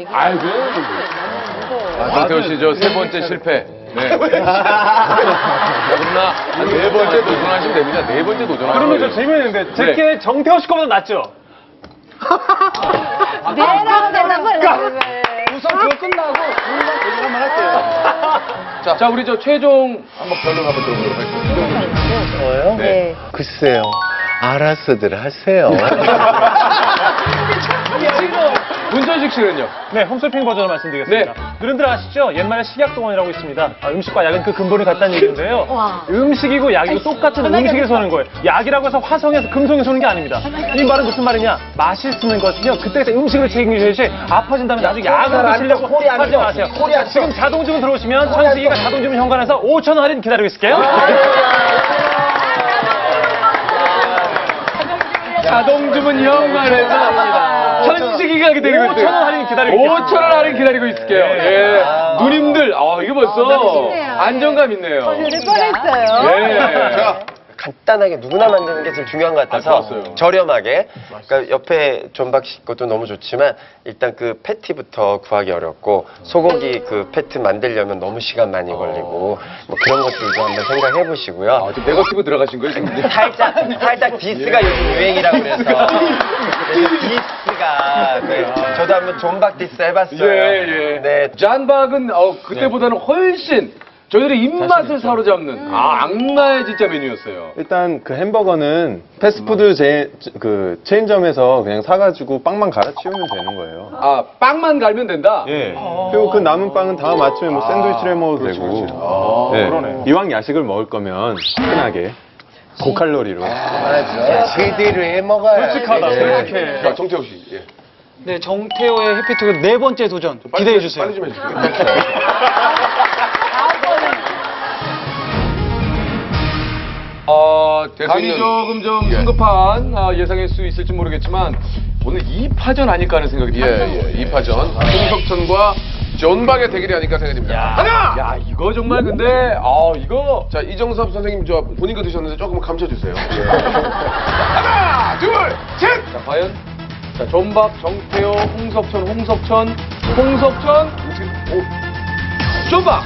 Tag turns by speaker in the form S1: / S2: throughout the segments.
S1: 아이고. 강태호 씨, 저 세 번째 실패. 네. 자, 그러나 네 번째 도전하시면 됩니다. 네 번째 도전하시면
S2: 그러면 저 질문인데 제게 정태호 씨 거보다 낫죠?
S3: 네라고 대답을
S4: 우선 그거 끝나고 우리가 얘기 한번 할게요.
S1: 자, 우리 저 최종 한번 변론 한번 들어보도록 하겠습니다.
S5: 저요?
S3: 네.
S5: 글쎄요. 알아서들 하세요.
S1: 문전식 씨는요?
S2: 네, 홈쇼핑 버전으로 말씀드리겠습니다. 누른들 아시죠? 옛말에 식약동원이라고 있습니다. 음식과 약은 그 근본이 같다는 얘기인데요.
S3: 와.
S2: 음식이고 약이고 똑같은 음식에서 오는 거예요. 약이라고 해서 화성에서 금성에서 오는 게 아닙니다. 이 말은 무슨 말이냐? 맛이 쓰는 것은요. 그때 음식을 책임져야지 아파진다면 나중에 약을 드시려고 하지 마세요. 지금 자동주문 들어오시면 천식이가 자동주문 현관에서 5,000원 할인 기다리고 있을게요.
S1: 자동주문 현관에서 천식이가 기다리고 있어요.
S2: 5,000원 할인 기다리고 있을게요.
S1: 5,000원 할인 기다리고 있을게요. 예. 누님들, 이거 벌써
S3: 멋있네요.
S1: 안정감 있네요.
S3: 들을 뻔했어요.
S1: 예.
S5: 제가 간단하게 누구나 만드는 게 제일 중요한 것 같아서
S1: 좋았어요.
S5: 저렴하게. 그러니까 옆에 존박씨 것도 너무 좋지만 일단 그 패티부터 구하기 어렵고 소고기 그 패티 만들려면 너무 시간 많이 걸리고 뭐 그런 것들도 한번 생각해 보시고요.
S1: 좀 네거티브 들어가신 거예요, 지금?
S5: 살짝 디스가 요즘 유행이라고 그래서 디스가 저도 한번 존박 디스 해봤어요.
S1: 예.
S5: 네.
S1: 잔박은 그때보다는 훨씬 저희들의 입맛을 사로잡는 악마의 진짜 메뉴였어요.
S6: 일단 그 햄버거는 패스트푸드 체인점에서 그냥 사가지고 빵만 갈아치우면 되는 거예요.
S1: 빵만 갈면 된다?
S6: 예. 그리고 그 남은 빵은 다음 아침에 뭐 샌드위치를 해 먹어도 되고. 예.
S2: 그러네.
S6: 이왕 야식을 먹을 거면 흔하게 고칼로리로.
S5: 제대로 해 먹어야
S2: 솔직하다, 솔직해.
S1: 자, 정태호 씨. 예.
S4: 네, 정태호의 해피투게 네 번째 도전 기대해 주세요.
S1: 빨리 좀 해주세요. 감이 조금 좀 성급한 예상일 수 있을지 모르겠지만 오늘 2파전 아닐까 하는 생각이 듭니다.
S7: 2파전. 홍석천과 존박의 대결이 아닐까 생각이 듭니다. 하나!
S1: 야, 이거 정말 근데 이거
S7: 자, 이정섭 선생님 저 본인 거 드셨는데 조금 감춰주세요. 하나, 둘, 셋!
S1: 자, 과연 자, 존박, 정태호, 홍석천, 존박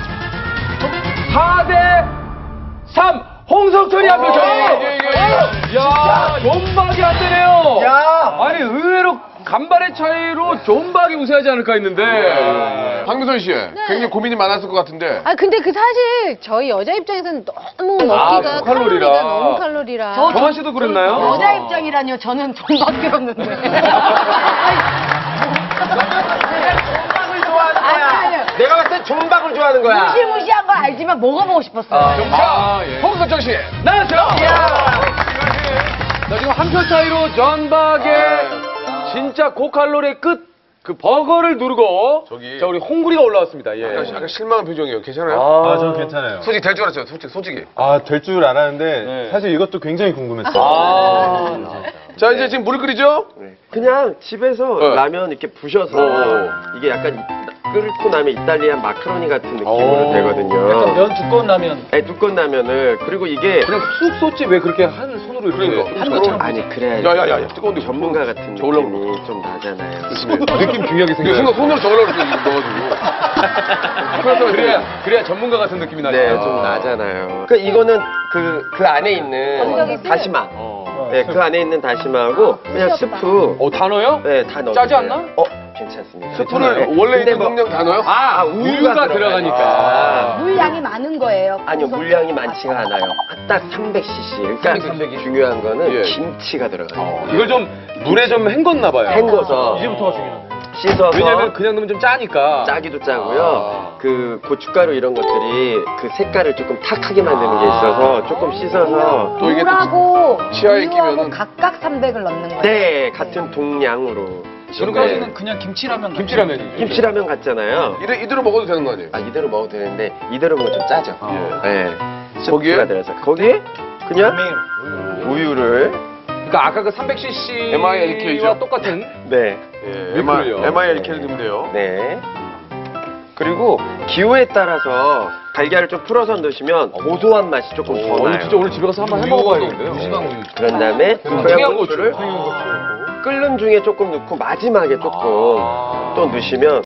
S1: 4대 3 홍석천이 앞에 야, 존박이 안 되네요. 아니 의외로 간발의 차이로 존박이 우세하지 않을까 했는데.
S7: 황미선 씨, 굉장히 고민이 많았을 것 같은데.
S3: 근데 그 사실 저희 여자 입장에서는 너무 먹기가
S1: 칼로리라.
S3: 칼로리가 너무 칼로리라.
S1: 정한 씨도 그랬나요?
S3: 여자 입장이라뇨. 저는 존박이 없는데.
S5: 내가 봤을 때 존박을 좋아하는 거야.
S3: 무시무시한 거 알지만 먹어보고 싶었어요.
S7: 홍석천 씨.
S1: 나왔죠? 자, 지금 한 표 차이로 존박의 진짜 고칼로리의 끝 그 버거를 누르고 자, 우리 홍구리가 올라왔습니다. 예.
S7: 약간 실망한 표정이에요. 괜찮아요?
S6: 저는 괜찮아요.
S7: 솔직히 될 줄 알았어요. 솔직히.
S6: 될 줄 알았는데 사실 이것도 굉장히 궁금했어요.
S7: 자, 이제 지금 물을 끓이죠?
S5: 그냥 집에서
S7: 네.
S5: 라면 이렇게 부셔서 이게 약간 끓고 나면 이탈리안 마카로니 같은 느낌으로 되거든요.
S4: 면 두꺼운 라면.
S5: 네, 두꺼운 라면을 그리고 이게
S1: 그냥 쑥 쏟지 왜 그렇게 한 손으로 이렇게
S7: 한
S4: 것처럼.
S5: 아니 그래야지
S7: 야야야, 뜨거운데.
S5: 전문가 같은 느낌이 좀 나잖아요.
S1: 느낌 중요하게
S7: 이거
S1: 생겨요.
S7: 손으로 저으려고 넣어가지고.
S1: 그래야 전문가 같은 느낌이 나죠.
S5: 네, 좀 나잖아요. 그 이거는 그 안에 있는 다시마. 네, 그 안에 있는 다시마하고 그냥 스프.
S1: 다 넣어요?
S5: 네, 다 넣어.
S1: 짜지 않나?
S5: 괜찮습니다.
S7: 스프를 원래 있는
S5: 뭐-
S7: 용량 다 넣어요?
S1: 우유가 들어가니까.
S3: 물량이 많은 거예요.
S5: 아니요, 물량이 많지가 않아요. 딱 300cc. 그러니까 중요한 거는
S7: 예.
S5: 김치가 들어가요.
S1: 이걸 좀 물에 좀 헹궜나 봐요.
S5: 헹궈서
S2: 이제부터가 중요하네.
S5: 씻어서
S1: 왜냐면 그냥 넣으면 좀 짜니까.
S5: 짜기도 짜고요. 그 고춧가루 이런 것들이 그 색깔을 조금 탁하게 만드는 게 있어서 조금 씻어서
S7: 또 이게 또
S3: 물하고
S7: 치아에
S3: 우유하고
S7: 끼면은-
S3: 각각 300을 넣는 거예요.
S5: 네, 같은 동량으로.
S4: 지금까지는 그냥 김치라면.
S1: 김치라면이.
S5: 김치라면 같잖아요.
S7: 이대로 먹어도 되는 거 아니에요?
S5: 이대로 먹어도 되는데 이대로 먹으면 좀 짜죠. 네.
S7: 거기에?
S5: 스프가 들어서 거기에 그냥 우유를
S1: 그러니까 아까 그 300cc
S7: MILK 죠?
S1: 와 똑같은.
S5: 네.
S1: 밀크를요.
S7: MILK를 넣으면 돼요.
S5: 네. 그리고 기호에 따라서 달걀을 좀 풀어서 넣으시면 고소한 맛이 조금 더 나요.
S1: 진짜 오늘 집에 가서 한번 해 먹어봐야겠는데요.
S5: 그런 다음에 청양고추를 끓는 중에 조금 넣고 마지막에 조금 또 넣으시면